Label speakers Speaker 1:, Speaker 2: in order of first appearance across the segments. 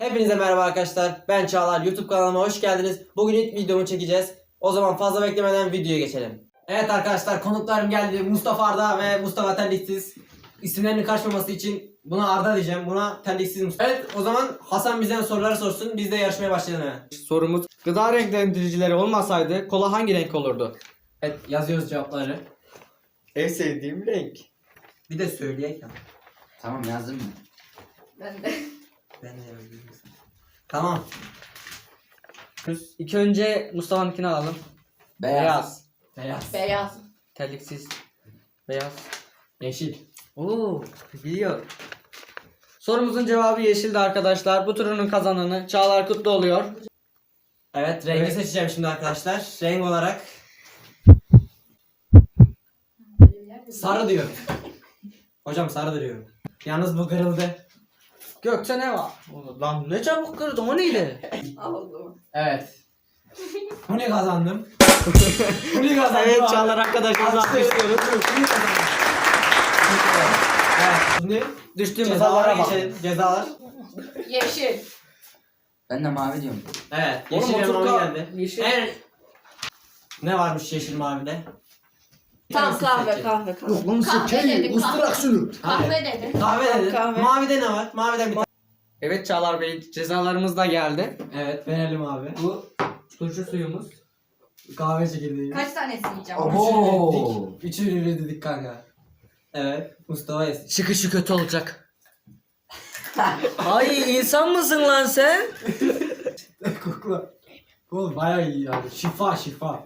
Speaker 1: Hepinize merhaba arkadaşlar. Ben Çağlar. YouTube kanalıma hoş geldiniz. Bugün ilk videomu çekeceğiz. O zaman fazla beklemeden videoya geçelim. Evet arkadaşlar, konuklarım geldi. Mustafa Arda ve Mustafa Terliksiz. İsimlerinin karışmaması için buna Arda diyeceğim. Buna Terliksiz Mustafa. Evet, o zaman Hasan bizden soruları sorsun. Biz de yarışmaya başlayalım hemen.
Speaker 2: Sorumuz: gıda renklendiricileri olmasaydı kola hangi renk olurdu?
Speaker 1: Evet, yazıyoruz cevapları.
Speaker 2: En sevdiğim renk.
Speaker 1: Bir de söyleyek ya.
Speaker 3: Tamam yazdım mı?
Speaker 4: Ben de.
Speaker 1: Ben de yazıyorum. Tamam.
Speaker 2: İlk önce Mustafa'nınkini alalım.
Speaker 3: Beyaz.
Speaker 1: Beyaz.
Speaker 4: Beyaz.
Speaker 2: Terliksiz. Beyaz.
Speaker 1: Yeşil.
Speaker 2: Oo, biliyor. Sorumuzun cevabı yeşildi arkadaşlar. Bu turunun kazananı Çağlar Kutlu oluyor.
Speaker 1: Evet, rengi
Speaker 2: Evet.
Speaker 1: seçeceğim şimdi arkadaşlar. Renk olarak sarı diyorum. Hocam sarı diyorum. Yalnız bu kırıldı.
Speaker 2: Gökçe ne var? Lan ne çabuk kırdın, o neydi?
Speaker 4: Oldu.
Speaker 1: Evet. Bu ne kazandım? Bu ne kazandım?
Speaker 2: Evet,
Speaker 1: abi?
Speaker 2: Çağlar arkadaşımızı alkışlıyoruz.
Speaker 1: Evet, şimdi
Speaker 2: Düştüğümüz
Speaker 1: cezalara
Speaker 2: havalara bak.
Speaker 1: geçelim. Cezalar.
Speaker 4: Yeşil.
Speaker 3: Ben de mavi diyorum.
Speaker 1: Evet,
Speaker 2: Oğlum,
Speaker 1: yeşil ve
Speaker 2: otur
Speaker 1: mavi
Speaker 2: kal.
Speaker 1: geldi.
Speaker 2: Yeşil.
Speaker 1: Ne varmış yeşil mavide?
Speaker 4: Tamam, kahve
Speaker 1: seçelim.
Speaker 4: kahve kahve.
Speaker 5: Lan
Speaker 4: Kahve dedim.
Speaker 5: şunu.
Speaker 4: Kahve dedim.
Speaker 1: Kahve dedin.
Speaker 4: Kahve.
Speaker 1: Mavide ne var? Maviden bir tane.
Speaker 2: Evet Çağlar Bey, cezalarımız da geldi.
Speaker 1: Evet, verelim abi.
Speaker 2: Bu turşu suyumuz.
Speaker 1: Kahve çekirdeği.
Speaker 4: Kaç tanesini yiyeceğim?
Speaker 3: Abo.
Speaker 1: Üçünü dedik kanka. Evet, Mustafa yesin.
Speaker 2: Çıkışı kötü olacak. Ay, insan mısın lan sen?
Speaker 1: Kokla. Oğlum bayağı iyi abi. Şifa şifa.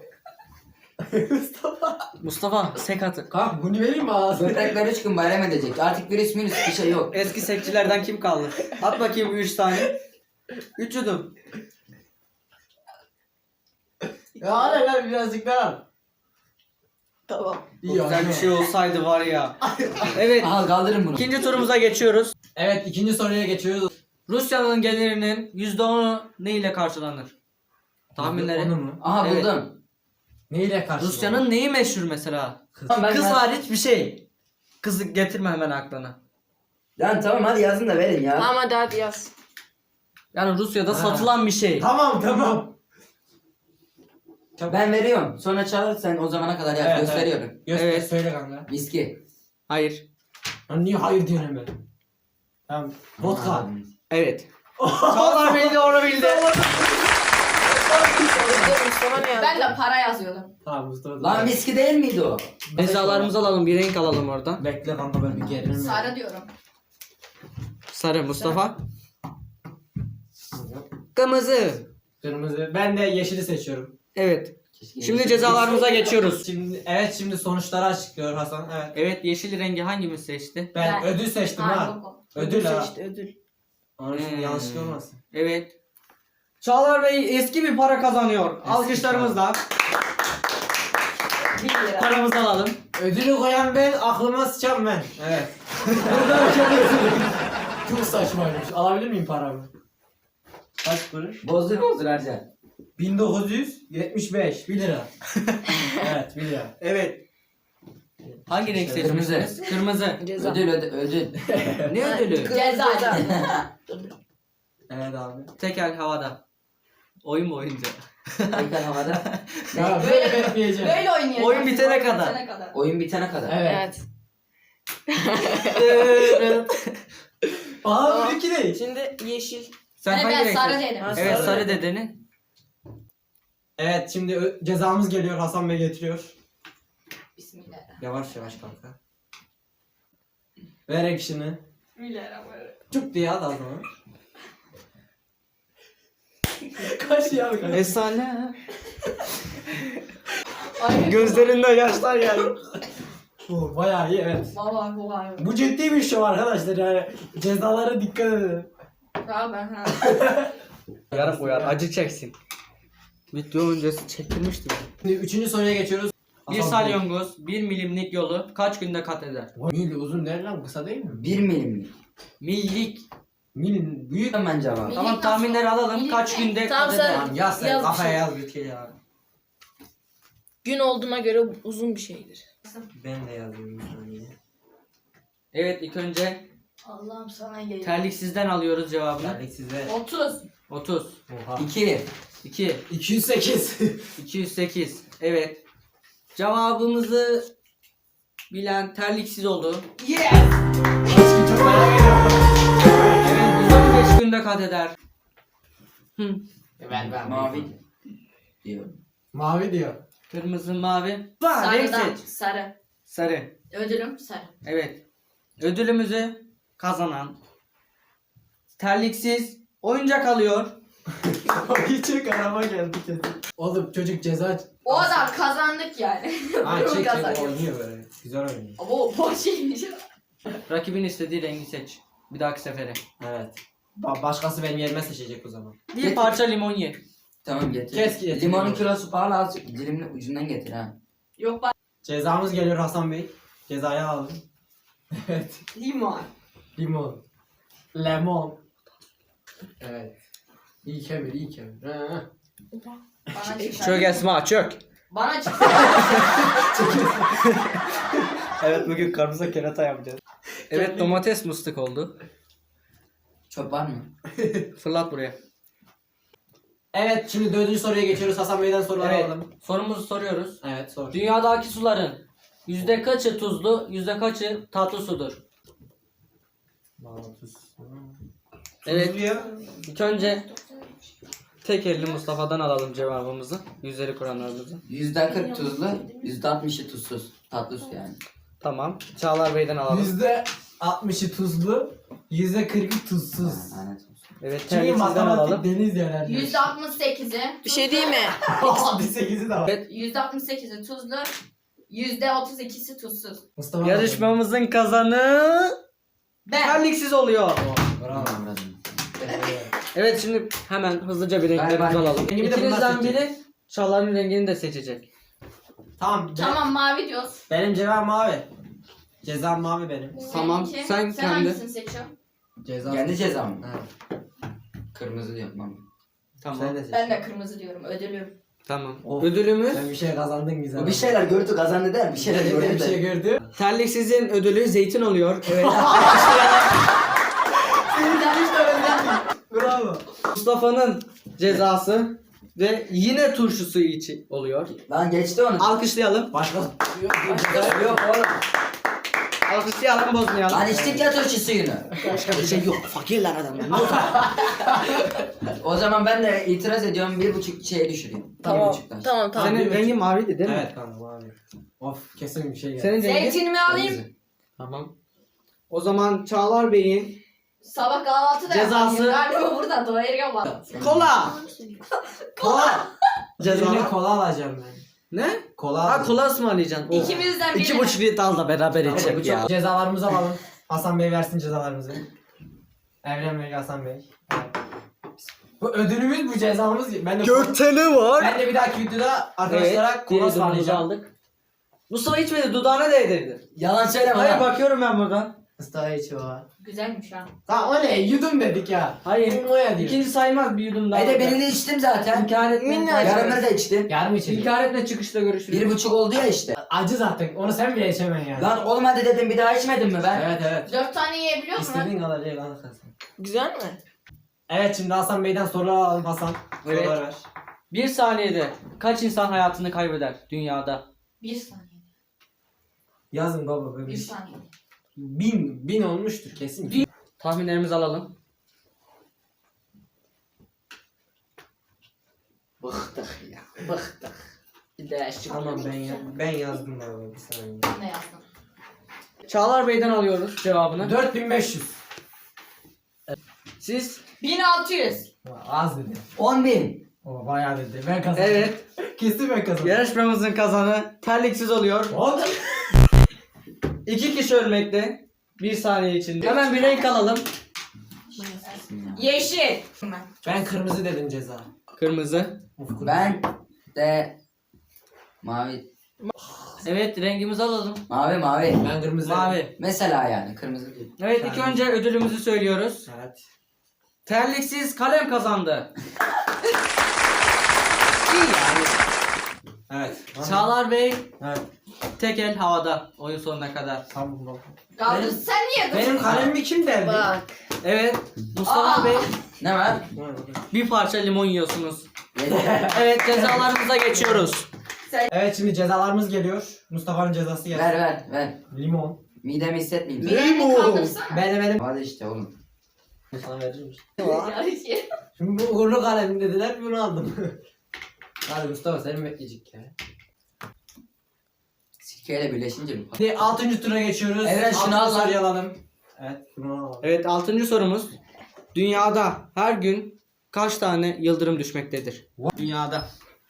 Speaker 2: Mustafa sekatı.
Speaker 1: Kanka bunu vereyim mi ağzına?
Speaker 3: Böbrekler 3 gün bayram edecek. Artık virüs minüs bir şey yok.
Speaker 2: Eski sekçilerden kim kaldı? At bakayım 3 tane. 3 yudum.
Speaker 1: Ya hadi ver birazcık daha.
Speaker 4: Tamam.
Speaker 2: Bu güzel bir şey olsaydı var ya. Evet,
Speaker 3: Aha kaldırın bunu.
Speaker 2: ikinci turumuza geçiyoruz.
Speaker 1: Evet, ikinci soruya geçiyoruz.
Speaker 2: Rusya'nın gelirinin %10'u ne ile karşılanır? Tahminleri.
Speaker 1: Onu mu?
Speaker 3: Aha
Speaker 2: Evet.
Speaker 3: buldum.
Speaker 1: Neyle karşı?
Speaker 2: Rusya'nın neyi meşhur mesela?
Speaker 3: Tamam,
Speaker 2: Kız
Speaker 3: ben-
Speaker 2: hariç bir şey. Kızı getirme hemen aklına.
Speaker 3: Lan tamam hadi yazın da verin ya.
Speaker 4: Ama hadi yaz.
Speaker 2: Yani Rusya'da
Speaker 1: Ha.
Speaker 2: satılan bir şey.
Speaker 1: Tamam tamam.
Speaker 3: Ben veriyorum. Sonra çağır sen o zamana kadar yaz.
Speaker 1: Evet,
Speaker 3: Gösteriyorum.
Speaker 1: Göster
Speaker 2: Evet.
Speaker 1: söyle kanka.
Speaker 3: Viski.
Speaker 2: Hayır.
Speaker 1: Lan niye hayır diyorsun hemen? Tamam. Vodka.
Speaker 3: Aa,
Speaker 2: Evet. Çağlar bildi, onu bildi.
Speaker 4: Ben de para yazıyordum.
Speaker 1: Tamam Mustafa.
Speaker 3: Lan viski değil miydi o?
Speaker 2: Cezalarımızı alalım, bir renk alalım oradan.
Speaker 1: Bekle kanka, ben bir gerilim.
Speaker 4: Sarı diyorum.
Speaker 2: Sarı Mustafa. Kırmızı.
Speaker 1: Kırmızı. Ben de yeşili seçiyorum.
Speaker 2: Evet.
Speaker 3: Keşke
Speaker 2: Şimdi cezalarımıza geçiyoruz.
Speaker 1: Şimdi sonuçları açıklıyor Hasan. Evet.
Speaker 2: Evet, yeşil rengi hangimiz seçti?
Speaker 1: Ben
Speaker 4: Ben-
Speaker 1: ödül seçtim
Speaker 4: Ha,
Speaker 1: ha.
Speaker 4: yok o.
Speaker 1: Ödül ha.
Speaker 4: ödül.
Speaker 1: Onun için yanlışlık olmasın.
Speaker 2: Evet. Çağlar Bey eski bir para kazanıyor.
Speaker 1: Eski
Speaker 2: Alkışlarımızla
Speaker 4: 1 lira.
Speaker 2: paramızı alalım.
Speaker 1: Ödülü koyan ben, aklıma sıçan ben. Evet. Burada bir şey çok saçmaymış. Alabilir miyim paramı? Kaç kuruş?
Speaker 3: Bozdur harca.
Speaker 1: 1975. 1 lira. Evet, 1 lira.
Speaker 2: Evet. Hangi renk
Speaker 3: Kırmızı.
Speaker 2: seçmişsiniz? Kırmızı.
Speaker 4: Ceza.
Speaker 3: Ödül.
Speaker 2: Ne ödülü?
Speaker 4: Ceza.
Speaker 1: Evet abi.
Speaker 2: Tekel havada. Oyun mu oyuncu?
Speaker 3: Tekrar havada.
Speaker 1: Ya böyle bekleyeceğim.
Speaker 4: Böyle oynayacağız.
Speaker 2: Oyun bitene kadar.
Speaker 3: Oyun bitene kadar.
Speaker 1: Evet.
Speaker 4: Evet.
Speaker 1: Aa, bu iki değil.
Speaker 4: Şimdi yeşil.
Speaker 2: Sen hangi
Speaker 4: Ben
Speaker 2: renk
Speaker 4: sarı
Speaker 2: seçtin?
Speaker 4: dedim.
Speaker 2: Evet,
Speaker 4: Sarı.
Speaker 2: sarı dedeni.
Speaker 1: Evet, şimdi cezamız geliyor. Hasan Bey getiriyor.
Speaker 4: Bismillah.
Speaker 1: Yavaş yavaş kanka. Ver action'ı.
Speaker 4: Bismillahirrahmanirrahim.
Speaker 1: Çok diye hadi o zaman. Kaç ya kaç.
Speaker 2: Efsane.
Speaker 4: Ay,
Speaker 2: Gözlerinde yaşlar geldi.
Speaker 1: Bu bayağı iyi, evet.
Speaker 4: Vallahi bu var.
Speaker 1: Bu ciddi bir şey arkadaşlar, yani cezalara dikkat edin.
Speaker 4: Tamam ben ha.
Speaker 2: Yarım uyar, acı çeksin. Video öncesi çektirmiştim.
Speaker 1: Şimdi üçüncü soruya geçiyoruz.
Speaker 2: Bir salyangoz 1 milimlik yolu kaç günde kat eder?
Speaker 1: Mil uzun değil lan, kısa değil mi?
Speaker 3: 1 milimlik.
Speaker 2: Millik.
Speaker 1: Mil büyük.
Speaker 3: Ben cevap.
Speaker 4: Millik
Speaker 2: Tamam,
Speaker 4: nasıl?
Speaker 2: tahminleri alalım.
Speaker 4: Millik
Speaker 2: Kaç
Speaker 4: ne?
Speaker 2: günde
Speaker 6: Tamam,
Speaker 2: kat
Speaker 6: sen-
Speaker 2: eder?
Speaker 1: Tamam yaz sen,
Speaker 6: Yaz bir
Speaker 1: kafaya
Speaker 6: şey.
Speaker 1: yaz bir şey ya.
Speaker 6: Gün olduğuna göre uzun bir şeydir.
Speaker 1: Ben de yazıyorum bir saniye.
Speaker 2: Evet, ilk önce
Speaker 4: Allah'ım sana geliyor.
Speaker 2: Terliksizden alıyoruz cevabını.
Speaker 1: Verdik size.
Speaker 4: 30.
Speaker 2: 30.
Speaker 1: Oha.
Speaker 3: 2.
Speaker 2: 2.
Speaker 1: 208.
Speaker 2: 208. Evet. Cevabımızı bilen terliksiz oldu.
Speaker 1: Yes! Aşkım çok merak ediyorum.
Speaker 2: Evet, 115 günde kat eder. Hı.
Speaker 1: Ben.
Speaker 3: Mavi diyor.
Speaker 1: Mavi diyor.
Speaker 2: Kırmızı, mavi. Renk
Speaker 4: Sarıdan.
Speaker 2: seç.
Speaker 4: Sarı.
Speaker 2: Sarı.
Speaker 4: Ödülüm sarı.
Speaker 2: Evet. Ödülümüzü kazanan terliksiz oyuncak alıyor.
Speaker 1: Hiç arama geldi kesin. Oğlum çocuk ceza...
Speaker 4: O adam kazandık yani.
Speaker 1: Ha
Speaker 4: Bunu
Speaker 1: çek
Speaker 4: kazandık.
Speaker 1: oynuyor böyle. Güzel oynuyor.
Speaker 4: Ama o boş şeymiş.
Speaker 2: Rakibin istediği rengi seç. Bir dahaki sefere.
Speaker 1: Evet. Başkası benim yerime seçecek o zaman.
Speaker 2: Bir parça limon ye.
Speaker 3: Tamam getir.
Speaker 1: Kes ki getir.
Speaker 3: Limonun kilosu pahalı, azıcık dilimin ucundan getir ha.
Speaker 4: Yok bak.
Speaker 1: Cezamız geliyor Hasan Bey. Cezayı alalım. Evet.
Speaker 4: Limon.
Speaker 1: Limon. Lemon. Evet. İyi kemir, iyi kemir. Ha.
Speaker 4: Bana çık.
Speaker 2: Çök Esma çök.
Speaker 4: Bana çık.
Speaker 2: Evet bugün karpuza kerata yapacağız. Evet domates mıstık oldu.
Speaker 3: Çöp var mı?
Speaker 2: Fırlat buraya.
Speaker 1: Evet, şimdi 4. soruya geçiyoruz. Hasan Bey'den soruları
Speaker 2: Evet.
Speaker 1: alalım.
Speaker 2: Sorumuzu soruyoruz.
Speaker 1: Evet, sor.
Speaker 2: Dünyadaki suların yüzde kaçı tuzlu, yüzde kaçı tatlı sudur? Evet. İlk önce tek elli Mustafa'dan alalım cevabımızı. Yüzleri kuranlarımızı.
Speaker 3: %40 tuzlu, %60'ı tuzsuz. Tatlı su yani.
Speaker 2: Tamam. Çağlar Bey'den alalım.
Speaker 1: %60'ı tuzlu, %40'ı tuzsuz.
Speaker 3: Lanet olsun.
Speaker 2: Evet
Speaker 1: Çünkü
Speaker 2: terliksizden
Speaker 1: matematik
Speaker 2: alalım.
Speaker 1: deniz yerler.
Speaker 4: %68'i.
Speaker 6: Bir şey değil mi?
Speaker 1: Hadi 8'i de var.
Speaker 2: Evet.
Speaker 4: %68'i tuzlu. %32'si tuzsuz.
Speaker 1: Mustafa
Speaker 2: Yarışmamızın kazanı
Speaker 4: Ben.
Speaker 2: terliksiz oluyor.
Speaker 1: Bravo.
Speaker 3: Tamam,
Speaker 2: Evet şimdi hemen hızlıca bir renklerimizi
Speaker 3: Galiba
Speaker 2: alalım.
Speaker 1: rengimi de bunlar
Speaker 2: İkinizden
Speaker 1: seçecek.
Speaker 2: biri Çağlar'ın rengini de seçecek.
Speaker 1: Tamam.
Speaker 4: Tamam mavi diyoruz.
Speaker 1: Benim cevabım mavi. Cezam mavi benim.
Speaker 2: Tamam,
Speaker 4: Seninki.
Speaker 2: sen
Speaker 4: Sen
Speaker 2: kendi.
Speaker 4: hangisini seçiyorsun?
Speaker 1: Ceza.
Speaker 3: Kendi cezam mı?
Speaker 1: Ha.
Speaker 3: Kırmızı yapmam.
Speaker 2: Tamam.
Speaker 1: Sen de seç.
Speaker 4: Ben de kırmızı diyorum. Ödülüm.
Speaker 2: Tamam.
Speaker 1: Of.
Speaker 2: Ödülümüz
Speaker 1: Sen bir şey kazandın güzel.
Speaker 3: O bir şeyler gördü kazandı der, bir şeyler
Speaker 1: Bir
Speaker 3: gördü
Speaker 1: şey
Speaker 3: der.
Speaker 1: gördü.
Speaker 2: terliksizin ödülü zeytin oluyor. Evet.
Speaker 1: Bravo.
Speaker 2: Mustafa'nın cezası ve yine turşusu içi oluyor.
Speaker 3: Lan geçti onu.
Speaker 2: Alkışlayalım.
Speaker 1: Başka
Speaker 3: Yok oğlum.
Speaker 2: Alkışlayalım bozmayalım.
Speaker 3: Lan içtik ya turşu suyunu.
Speaker 2: Bir şey yok. Fakirler adamlar. Ne oldu?
Speaker 3: O zaman ben de itiraz ediyorum, 1,5 şeye düşüreyim.
Speaker 6: Tamam.
Speaker 3: 1,5'tan.
Speaker 6: Tamam tamam.
Speaker 2: Senin rengin maviydi değil mi?
Speaker 1: Evet kanka mavi. Of kesin bir şey geldi.
Speaker 2: Senin rengin?
Speaker 4: Zeytinimi alayım.
Speaker 3: Kırmızı.
Speaker 2: Tamam. O zaman Çağlar Bey'in
Speaker 4: Sabah kahvaltıda
Speaker 2: Cezası-
Speaker 4: yapayım. Galiba burada doyurga var.
Speaker 2: kola. Kola.
Speaker 1: Birine
Speaker 2: Ceza.
Speaker 1: kola alacağım ben.
Speaker 2: Ne?
Speaker 1: Kola
Speaker 2: Ha
Speaker 1: alacağım.
Speaker 2: kola ısmarlayacaksın. Oh.
Speaker 4: İkimizden biri.
Speaker 2: 2,5 litre al da beraber
Speaker 1: Hadi
Speaker 2: içelim
Speaker 1: bu
Speaker 2: ya.
Speaker 1: çok cezalarımızı alalım. Hasan Bey versin cezalarımızı. Evren Bey, Hasan Bey. Bu ödülümüz, bu cezamız. Ben de
Speaker 2: Gökdelen var.
Speaker 1: Ben de bir dahaki videoda arkadaşlara
Speaker 2: Evet.
Speaker 1: kola
Speaker 2: Diğer ısmarlayacağım.
Speaker 1: ısmarlayacağım.
Speaker 2: Aldık. Mustafa içmedi. Dudağına değdirdi.
Speaker 3: Yalan söyleme
Speaker 2: Hayır
Speaker 3: lan.
Speaker 2: bakıyorum ben buradan.
Speaker 1: Mustafa içi o.
Speaker 4: Güzelmiş ha.
Speaker 1: Tamam o ne? Yudum dedik ya.
Speaker 2: Hayır.
Speaker 1: Moya diyor.
Speaker 2: İkinci sayılmaz bir yudum daha.
Speaker 3: Bir de birini içtim zaten.
Speaker 2: İnkar etme.
Speaker 6: Minnacık.
Speaker 3: Yarımını da içtim.
Speaker 1: Yarım içelim.
Speaker 2: İnkar etme çıkışta görüşürüz.
Speaker 3: 1,5 oldu ya işte.
Speaker 1: Acı zaten. Onu sen bile içemen yani.
Speaker 3: Lan olmadı dedim, bir daha içmedim mi ben?
Speaker 1: Evet evet.
Speaker 4: 4 tane yiyebiliyor musun?
Speaker 1: İstediğin kadar ye lan sen.
Speaker 6: Güzel mi?
Speaker 1: Evet şimdi Hasan Bey'den sorular alalım Hasan.
Speaker 2: Evet.
Speaker 1: Sorular ver.
Speaker 2: Bir saniyede kaç insan hayatını kaybeder dünyada?
Speaker 4: 1 saniye.
Speaker 1: Yazın baba böyle.
Speaker 4: 1 saniye.
Speaker 1: 1000 olmuştur kesin.
Speaker 2: Tahminlerimizi alalım.
Speaker 3: Bıktık ya, bıktık.
Speaker 2: Bir değişik.
Speaker 1: Tamam ben yazdım baba bir saniye.
Speaker 4: Ne yazdın?
Speaker 2: Çağlar Bey'den alıyoruz cevabını.
Speaker 1: 4500.
Speaker 2: Siz
Speaker 4: 1600.
Speaker 1: Az dedi.
Speaker 3: 10.000.
Speaker 1: O bayağı dedi. Ben kazandım.
Speaker 2: evet
Speaker 1: Kesin ben kazandım.
Speaker 2: yarışmamızın kazanı terliksiz oluyor.
Speaker 1: Oldu.
Speaker 2: 2 kişi ölmekte. 1 saniye içinde. Hemen bir renk alalım.
Speaker 4: Yeşil.
Speaker 1: Ben kırmızı dedim ceza.
Speaker 2: Kırmızı.
Speaker 1: Of, kırmızı.
Speaker 3: Ben de mavi.
Speaker 2: Evet rengimizi alalım.
Speaker 3: Mavi.
Speaker 1: Ben kırmızı dedim.
Speaker 2: Mavi.
Speaker 3: Mesela yani kırmızı değil.
Speaker 2: Evet ilk önce ödülümüzü söylüyoruz.
Speaker 1: Evet.
Speaker 2: Terliksiz kalem kazandı.
Speaker 1: İyi yani. Evet.
Speaker 2: Çağlar Bey
Speaker 1: Evet.
Speaker 2: tek el havada oyun sonuna kadar.
Speaker 1: Tamam.
Speaker 4: Kaldır sen niye
Speaker 1: Benim kalemimi kim deldi?
Speaker 6: Bak.
Speaker 2: Evet Mustafa
Speaker 4: Aa.
Speaker 2: Bey
Speaker 3: Ne var?
Speaker 2: bir parça limon yiyorsunuz. Evet cezalarımıza geçiyoruz.
Speaker 1: Evet şimdi cezalarımız geliyor. Mustafa'nın cezası geldi.
Speaker 3: Ver.
Speaker 1: Limon.
Speaker 3: Midemi hissetmeyeyim.
Speaker 4: Bileğini kaldırsana.
Speaker 1: Benim.
Speaker 3: Hadi işte oğlum.
Speaker 1: Sana verir misin?
Speaker 4: Ya,
Speaker 1: Şimdi bu uğurlu kalem dediler bunu aldım. Hadi Mustafa seni mi bekleyecek ya?
Speaker 3: Sirkeyle birleşince bir
Speaker 1: Şimdi 6. tura geçiyoruz.
Speaker 3: Evet, şunu
Speaker 1: Altıncı
Speaker 3: al lan.
Speaker 1: soruyu alalım. Evet bunu alalım.
Speaker 2: Evet 6. sorumuz. Dünyada her gün kaç tane yıldırım düşmektedir? Dünyada.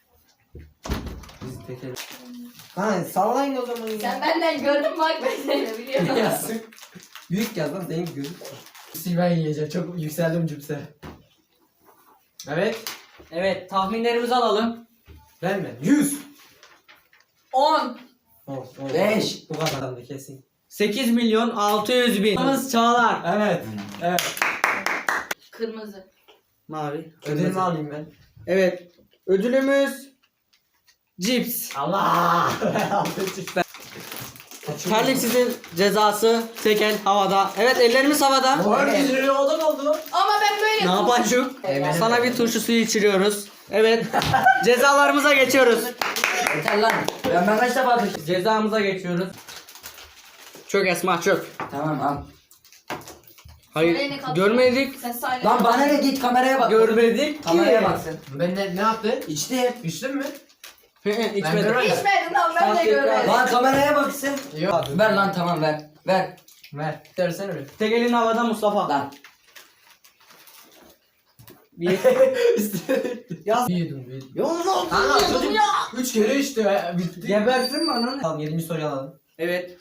Speaker 1: Biz tekelim. Ha sallayın o zaman.
Speaker 4: Sen benden gördün bak ben seni biliyorum.
Speaker 1: Yazsın. Büyük yaz lan senin gözün. Ben yiyeceğim çok yükseldim cüpse. Evet.
Speaker 2: Evet tahminlerimizi alalım.
Speaker 1: Ben mi? 100.
Speaker 4: 10.
Speaker 3: 5.
Speaker 1: Bu kadardı kesin.
Speaker 2: 8.600.000. Yalnız Çağlar.
Speaker 1: Evet. Evet.
Speaker 4: Kırmızı.
Speaker 2: Mavi.
Speaker 1: Ödülümü alayım ben.
Speaker 2: Evet. Ödülümüz cips.
Speaker 1: Allah.
Speaker 2: Terliksizin cezası tekel havada. Evet ellerimiz havada.
Speaker 1: Bu herkes odan oldu.
Speaker 4: Ama ben böyle...
Speaker 2: Ne yapacağım?
Speaker 1: Evet.
Speaker 2: Sana bir turşu suyu içiriyoruz. Evet. Cezalarımıza geçiyoruz.
Speaker 3: Yeter lan. Ben kaç defa düştüm?
Speaker 2: Cezamıza geçiyoruz. Çök Esma çök.
Speaker 3: Tamam al.
Speaker 2: Hayır.
Speaker 4: Elini kaldır.
Speaker 2: Görmedik.
Speaker 4: Sen sahile...
Speaker 3: Lan bana ne git kameraya bak.
Speaker 2: Görmedik ki.
Speaker 3: Kameraya baksın.
Speaker 1: Ben ne yaptı?
Speaker 3: İçti.
Speaker 1: İçtin mi?
Speaker 2: İçmedim.
Speaker 4: İçmedin lan ben de görmedim.
Speaker 3: Lan kameraya baksın.
Speaker 1: Yok.
Speaker 3: Ver lan tamam ver. Ver.
Speaker 1: Ver. Versene bir.
Speaker 2: Tek elin havada Mustafa.
Speaker 3: Lan.
Speaker 2: Bir. Yaz.
Speaker 1: Büyüdüm.
Speaker 2: Yolla.
Speaker 1: Ha çocuk 3 kere içti. Bitti.
Speaker 2: Gebersin mi ananı?
Speaker 1: Tamam 7. soruyu alalım.
Speaker 2: Evet.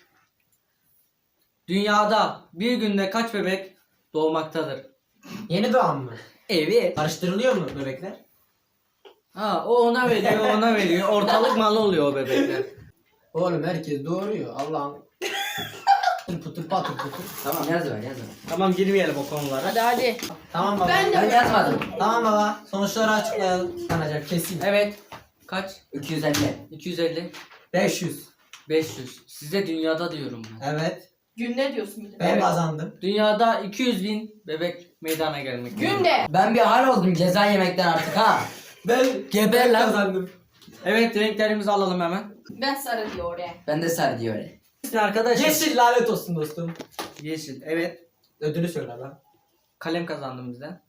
Speaker 2: Dünyada bir günde kaç bebek doğmaktadır?
Speaker 1: Yeni doğan mı?
Speaker 2: Evet.
Speaker 1: Karıştırılıyor mu bebekler?
Speaker 2: Ha o ona veriyor, o ona veriyor. Ortalık malı oluyor o bebekler.
Speaker 1: Oğlum herkes doğuruyor. Allah'ım. Pıtır patır pıtır.
Speaker 3: Tamam yaz ver.
Speaker 2: Tamam girmeyelim o konulara.
Speaker 6: Hadi.
Speaker 1: Tamam baba.
Speaker 4: Ben de
Speaker 3: Ben yazmadım.
Speaker 1: Tamam baba. Sonuçları açıklayalım. Kanacak kesin.
Speaker 2: Evet. Kaç?
Speaker 3: 250.
Speaker 2: 250.
Speaker 1: 500.
Speaker 2: 500. Size dünyada diyorum ben.
Speaker 1: Evet.
Speaker 4: Günde diyorsun bir de.
Speaker 1: Ben
Speaker 2: Evet.
Speaker 1: kazandım.
Speaker 2: Dünyada 200.000 bebek meydana gelmek.
Speaker 4: Günde.
Speaker 3: Ben bir hal oldum ceza yemekten artık ha.
Speaker 1: Ben
Speaker 3: Geber lan.
Speaker 1: kazandım.
Speaker 2: Evet renklerimizi alalım hemen.
Speaker 4: Ben sarı diyor oraya.
Speaker 3: Ben de sarı diyor öyle.
Speaker 2: Arkadaşlar.
Speaker 1: Yeşil lanet olsun dostum.
Speaker 2: Yeşil. Evet.
Speaker 1: Ödülü söyle lan.
Speaker 2: Kalem kazandım bizden.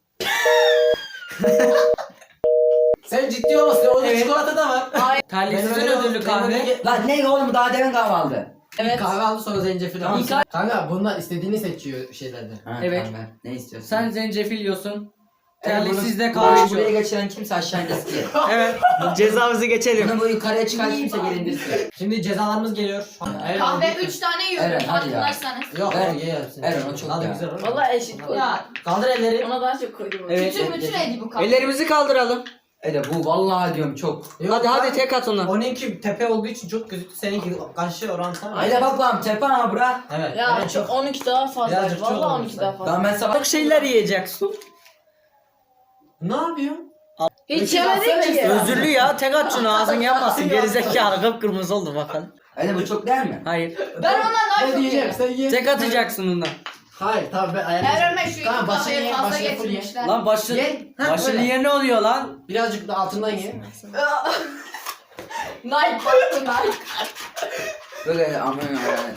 Speaker 1: Sen ciddi olmasın. Orada
Speaker 2: Evet.
Speaker 1: çikolata da var.
Speaker 2: Terliksizin
Speaker 1: Benim
Speaker 2: ödüllü
Speaker 1: benim
Speaker 2: kahve.
Speaker 1: ödülü-
Speaker 3: Lan ne oğlum daha demin kahve aldı.
Speaker 1: Evet. Kahve aldı sonra zencefil
Speaker 2: Tamam,
Speaker 1: aldı.
Speaker 2: sen-
Speaker 1: Kanka bunlar istediğini seçiyor şeylerden.
Speaker 3: Ha,
Speaker 2: Evet.
Speaker 3: tamam, ver. Ne istiyorsun?
Speaker 2: Sen zencefil yiyorsun.
Speaker 3: Evet,
Speaker 2: Terliksiz de
Speaker 3: bunu
Speaker 2: kahve
Speaker 3: buraya
Speaker 2: içiyor.
Speaker 3: geçiren kimse aşağı indirsin.
Speaker 2: Evet. Cezamızı geçelim.
Speaker 3: Bunu bu yukarıya çıkan kimse geri indirsin.
Speaker 1: Şimdi cezalarımız geliyor.
Speaker 4: Kahve 3 tane yiyorum.
Speaker 3: Evet, hadi ya.
Speaker 4: Farkındaysanız.
Speaker 1: Yok
Speaker 3: Ver.
Speaker 1: o ye hepsini.
Speaker 3: Ver, o çok
Speaker 1: Hadi
Speaker 3: ya.
Speaker 1: güzel olur.
Speaker 6: Valla eşit koydum.
Speaker 4: Ya
Speaker 1: Kaldır elleri.
Speaker 6: Ona daha çok koydum.
Speaker 2: Evet.
Speaker 4: bütün edi bu kahve.
Speaker 2: Ellerimizi kaldıralım.
Speaker 3: Bu vallahi diyorum çok.
Speaker 1: Yok
Speaker 2: Hadi
Speaker 1: lan.
Speaker 2: hadi tek at onu.
Speaker 1: Onunki tepe olduğu için çok gözüktü. Seninki karşı orantı.
Speaker 3: Haydi bak lan tepe ha bura.
Speaker 1: Evet.
Speaker 6: Ya
Speaker 1: evet,
Speaker 6: çok 12 daha fazla.
Speaker 1: Birazcık çok
Speaker 6: Valla
Speaker 1: olmuş
Speaker 6: 12 daha fazla.
Speaker 3: Tamam ben sabah
Speaker 2: Çok şeyler yiyeceksin.
Speaker 1: Ne yapıyorsun?
Speaker 6: Hiç yemedik ki.
Speaker 2: Özürlü ya tek at şunu ağzın yanmasın. Gerizekalı kıpkırmızı oldu bakın.
Speaker 3: Haydi bu çok değil mi?
Speaker 2: Hayır.
Speaker 4: Ben ondan daha
Speaker 1: Ben
Speaker 4: çok
Speaker 1: diyeceğim
Speaker 4: yerim.
Speaker 1: sen ye.
Speaker 2: Tek atacaksın ondan.
Speaker 1: Hayır tamam ben
Speaker 4: Her
Speaker 1: ayarlayacağım.
Speaker 4: öme şu iki
Speaker 1: Tamam, başını
Speaker 4: kahveyi
Speaker 1: ye,
Speaker 4: fazla
Speaker 1: başını full ye.
Speaker 4: getirmişler.
Speaker 2: Lan başın
Speaker 1: Ye. Ha,
Speaker 2: başın
Speaker 1: böyle.
Speaker 2: niye ne oluyor lan?
Speaker 1: Birazcık da altından ye.
Speaker 4: Nike baktı Nike.
Speaker 3: Böyle aman yani.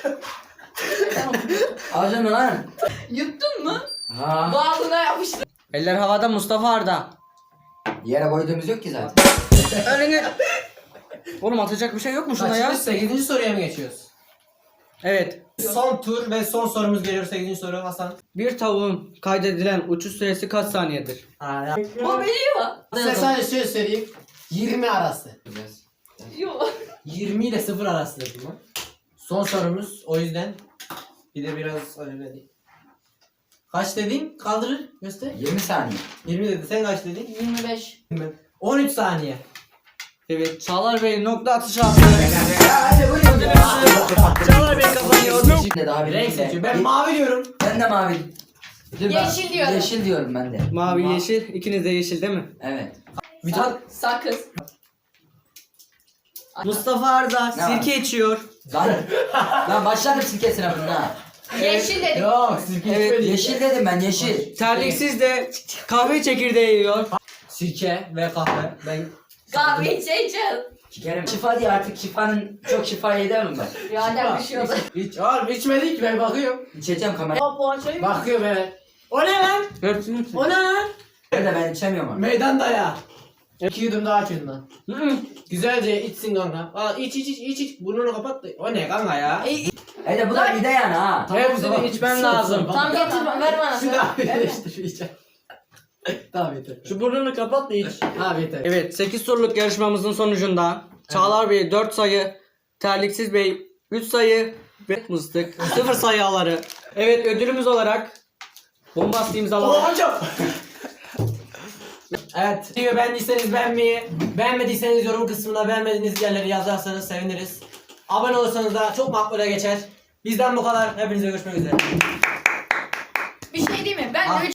Speaker 3: Alacaksın lan.
Speaker 4: Yuttun mu?
Speaker 3: Ha.
Speaker 4: Bağlına yapıştı.
Speaker 2: Eller havada Mustafa Arda.
Speaker 3: Yere koyduğumuz yok ki zaten.
Speaker 2: Önüne. Oğlum atacak bir şey yok mu şuna ya?
Speaker 1: Kaçıncı 8. soruya mı geçiyoruz?
Speaker 2: Evet.
Speaker 1: Son tur ve son sorumuz geliyor 8. soru Hasan.
Speaker 2: Bir tavuğun kaydedilen uçuş süresi kaç saniyedir?
Speaker 1: Ya.
Speaker 4: Bu biliyor.
Speaker 1: Size sadece şöyle söyleyeyim. 20 arası.
Speaker 4: Yok.
Speaker 1: 20 ile 0 arası dedim ben. Son sorumuz o yüzden bir de biraz öyle değil. Kaç dedin? Kaldırır. Göster.
Speaker 3: 20 saniye.
Speaker 1: 20 dedi. Sen kaç dedin?
Speaker 4: 25.
Speaker 1: 13 saniye.
Speaker 2: Evet. Çağlar Bey nokta atışı attı.
Speaker 3: Hadi buyurun.
Speaker 2: Çağlar Bey kazanıyor.
Speaker 3: Şimdi daha bir
Speaker 1: Renk seçiyor. Ben mavi diyorum.
Speaker 3: Ben de mavi. Dur,
Speaker 4: Yeşil diyorum.
Speaker 3: Yeşil diyorum ben de.
Speaker 2: Mavi yeşil. İkiniz de yeşil değil mi?
Speaker 3: Evet.
Speaker 1: Bir tane
Speaker 4: Sakız.
Speaker 2: Mustafa Arda
Speaker 3: Ne var?
Speaker 2: sirke içiyor.
Speaker 3: Lan başladım sirke sınavına.
Speaker 6: Yeşil dedik.
Speaker 1: Yok sirke
Speaker 2: Evet,
Speaker 1: içmedik.
Speaker 3: Yeşil dedim ben yeşil.
Speaker 2: Terliksiz de kahve çekirdeği yiyor.
Speaker 1: Sirke ve kahve. Ben
Speaker 6: Kahve içeceğiz.
Speaker 3: Sikerim. Şifa diye artık şifanın çok şifa yedemem ben.
Speaker 6: Birader bir şey oldu.
Speaker 1: hiç oğlum içmedik ben bakıyorum.
Speaker 3: İçeceğim kamera.
Speaker 6: Baba poğaçayı mı?
Speaker 1: Bakıyorum evet. O ne lan?
Speaker 2: Hepsini içiyor.
Speaker 1: O ne lan?
Speaker 3: Nerede ben içemiyorum abi.
Speaker 1: Meydanda ya. 2 yudum daha açın lan. Güzelce içsin kanka. Aa iç. Burnunu kapat. O ne kanka ya?
Speaker 3: Hadi bu da mide yani ha.
Speaker 2: Hepsini içmen lazım.
Speaker 6: Tam getir ver bana.
Speaker 1: Şunu abi işte şu içe. Tamam yeter.
Speaker 2: Şu burnunu kapat da iç.
Speaker 1: Abi yeter.
Speaker 2: Evet 8 soruluk yarışmamızın sonucunda Çağlar Bey 4 sayı, Terliksiz Bey 3 sayı ve Mıstık 0 sayı aları. Evet ödülümüz olarak bombast imzaladık.
Speaker 1: Hocam. Evet. Videoyu beğendiyseniz beğenmeyi, beğenmediyseniz yorum kısmına beğenmediğiniz yerleri yazarsanız seviniriz. Abone olursanız da çok makbule geçer. Bizden bu kadar. Hepinize görüşmek üzere.